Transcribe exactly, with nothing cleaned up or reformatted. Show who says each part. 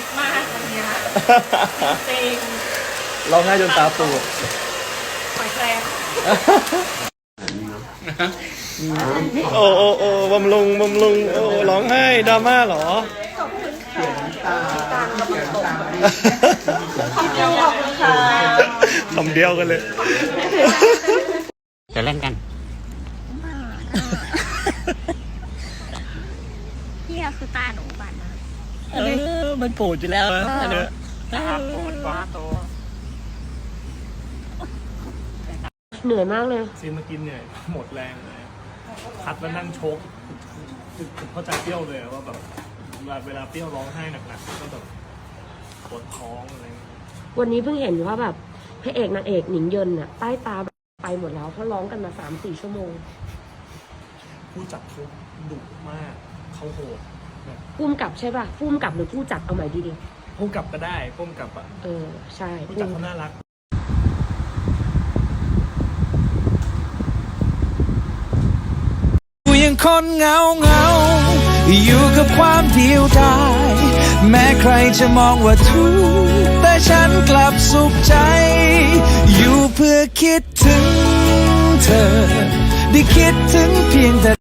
Speaker 1: มากวันเนี้ยจริง
Speaker 2: ร้องไห้จนตาปูด
Speaker 1: หอยแครง
Speaker 2: โอ้โอ้โอ้บำรุงบำรุงโอ้ร้องไห้ดราม่าเหรอ
Speaker 1: ขอบคุณค่ะตาลกำลังตกขอบคุณค่ะ
Speaker 2: คำเดียวกันเลย
Speaker 3: จะเล่นกัน
Speaker 4: เฮียคือตาหนูบันนะ
Speaker 2: เออมันปูดอยู่แล้วนะอันเนี้ย
Speaker 3: ตาปูดฟ้าโต
Speaker 4: เหนื่อยมากเลย
Speaker 2: ซีนเมื่อกี้เนี่ยหมดแรงเลยคัดแล้วนั่งโชกผมเข้าใจเปรี้ยวเลยว่าแบบเวลาเปรี้ยวร้องไห้หนักๆก็แบบปวดท้องอะไร
Speaker 4: วันนี้เพิ่งเห็นว่าแบบพระเอกนางเอกหนิงเยินน่ะใต้ตาไปหมดแล้วเพราะร้องกันมาสามสี่ชั่วโมง
Speaker 2: ผู้จัดเขาดุมากเขาโหดแบบ
Speaker 4: พุ่มกับใช่ป่ะพุ่มกับหรือผู้จัดเอาใหม่ดี
Speaker 2: พุ่มกับก็ได้พุ่มกับอ่ะ
Speaker 4: ๆเออใช่
Speaker 2: ผู้จัดเขาน่ารัก
Speaker 5: ยังคนเหงาเหงาอยู่กับความเดียวดายแม้ใครจะมองว่าทุกข์แต่ฉันกลับสุขใจ อยู่เพื่อคิดถึงเธอ ได้คิดถึงเพียงแต่